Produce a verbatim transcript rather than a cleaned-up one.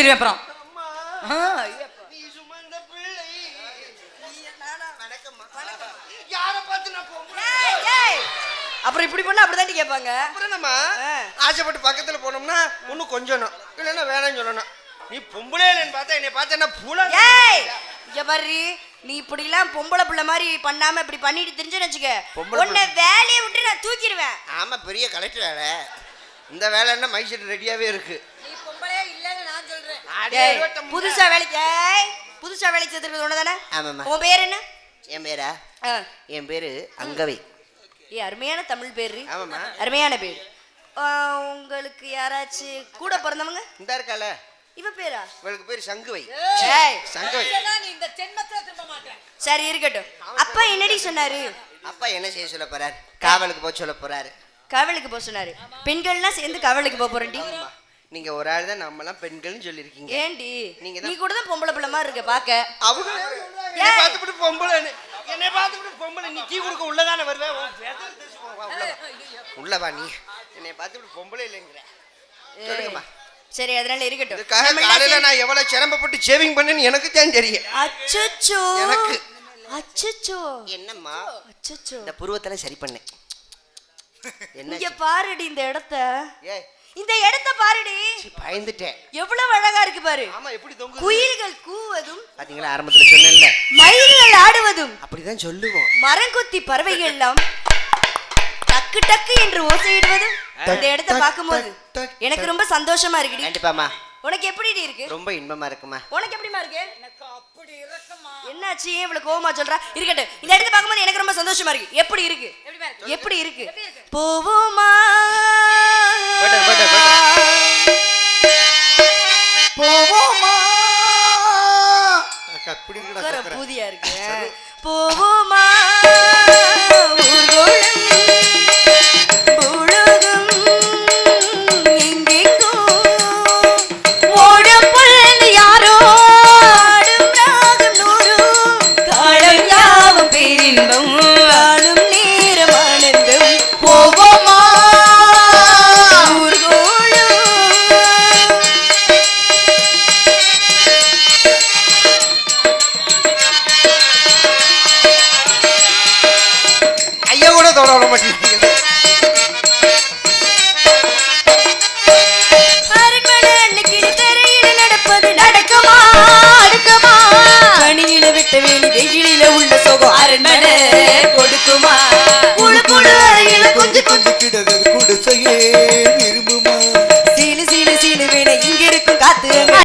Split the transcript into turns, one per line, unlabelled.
சொல்லிடுவேன் அப்புறம்.
அப்புறம் இப்படி பண்ணா அப்படிதான் கேட்பாங்க.
அப்புறம் நம்ம ஆசைப்பட்டு பக்கத்துல போனோம்னா ஒன்னும் கொஞ்சம் இல்லைன்னா வேணாம்னு சொல்லணும். நீ பொம்பளை இல்லைன்னு பார்த்தா என்னை பார்த்தா என்ன பூலா?
இங்க பாரு, நீ இப்படி எல்லாம் பொம்பளை பிள்ளை மாதிரி பண்ணாம இப்படி பண்ணிட்டு தெரிஞ்சுன்னு வச்சுக்க, உன்னை வேலையை விட்டு நான் தூக்கிடுவேன்.
ஆமா, பெரிய கலெக்டர் வேலை. இந்த வேலை என்ன மைசெட் ரெடியாவே இருக்கு.
நீ பொம்பளையே இல்லன்னு நான் சொல்றேன். புதுசா வேலைக்கு புதுசா வேலைக்கு சேர்த்துக்கிறது ஒண்ணுதானே?
ஆமாம்மா.
உன் பேர் என்ன?
என் பேரா? என் பேரு அங்கவை.
ஏ, அருமையான தமிழ் பேரு.
ஆமாம்மா,
அருமையான பேர். உங்களுக்கு யாராச்சும் கூட பிறந்தவங்க?
இந்த இருக்கால
இவ பேரா?
இவளுக்கு பேரு சங்குவை.
சங்குவை. சரி இருக்கட்டும். அப்பா என்னடி சொன்னாரு?
அப்பா என்ன செய்ய சொல்ல போறாரு? காவலுக்கு போக சொல்ல போறாரு.
காவலுக்கு போக சொன்னாரு. பெண்கள்லாம் சேர்ந்து காவலுக்கு போக போறேன்டி.
நீங்க ஒரு ஆள் தான், நம்ம எல்லாம் பெண்கள்னு சொல்லிருக்கீங்க.
ஏண்டி நீ கூட தான் பொம்பளை பிள்ளை மாதிரி இருக்க பாக்க.
அவங்க என்னை பார்த்துட்டு பொம்பளை, என்னை பார்த்துட்டு பொம்பளை. நீ டீ குடுக்க உள்ளதானே வருவேன். உள்ளவா நீ? என்னை பார்த்துட்டு பொம்பளை இல்லைங்கிற. சொல்லுங்கம்மா.
சரி, அதனால இருக்கட்டும்.
காலையில நான் எவ்வளவு சிரமப்பட்டு சேவிங் பண்ணேன்னு எனக்கு தான் தெரியும்.
அச்சச்சோ.
எனக்கு
அச்சச்சோ.
என்னம்மா?
அச்சச்சோ.
இந்த புருவத்துல சரி பண்ணேன்.
இங்க பாருடி இந்த இடத்த.
ஏய்,
இந்த இடத்த பாருடி.
பயந்துட்டேன்.
எவ்வளவு அழகா இருக்கு பாரு.
ஆமா, எப்படி தொங்குது.
குயில்கள் கூவதும்
பாத்தீங்களா? ஆரம்பத்துல சொன்னேன்ல,
மயில்கள் ஆடுவதும்
அப்படிதான் சொல்லுவோம்.
மரங்கொத்தி பறவைகள் எல்லாம் டக்கு டக்கு என்று ஓசையிடுவதும் இந்த இடத்த பார்க்கும்போது எனக்கு ரொம்ப சந்தோஷமா இருக்குடி.
கண்டிப்பாமா.
உனக்கு எப்படி இருக்கு?
ரொம்ப இன்பமா இருக்குமா.
உனக்கு எப்படிமா இருக்கு? எனக்கு அப்படி இருக்குமா. என்னாச்சு இவ்வளவு கோவமா சொல்றா? இருக்கட்டும், இந்த இடத்த பார்க்கும்போது எனக்கு ரொம்ப சந்தோஷமா இருக்கு. எப்படி இருக்கு? எப்படி இருக்கு? போவோமா போவோமா.
அப்படி
பூதியா இருக்கு. போவோமா
உள்ள சோகம் அரண்மனை கொடுக்குமா? குழு குழு அறையில கொஞ்சம் கொஞ்சம் கிட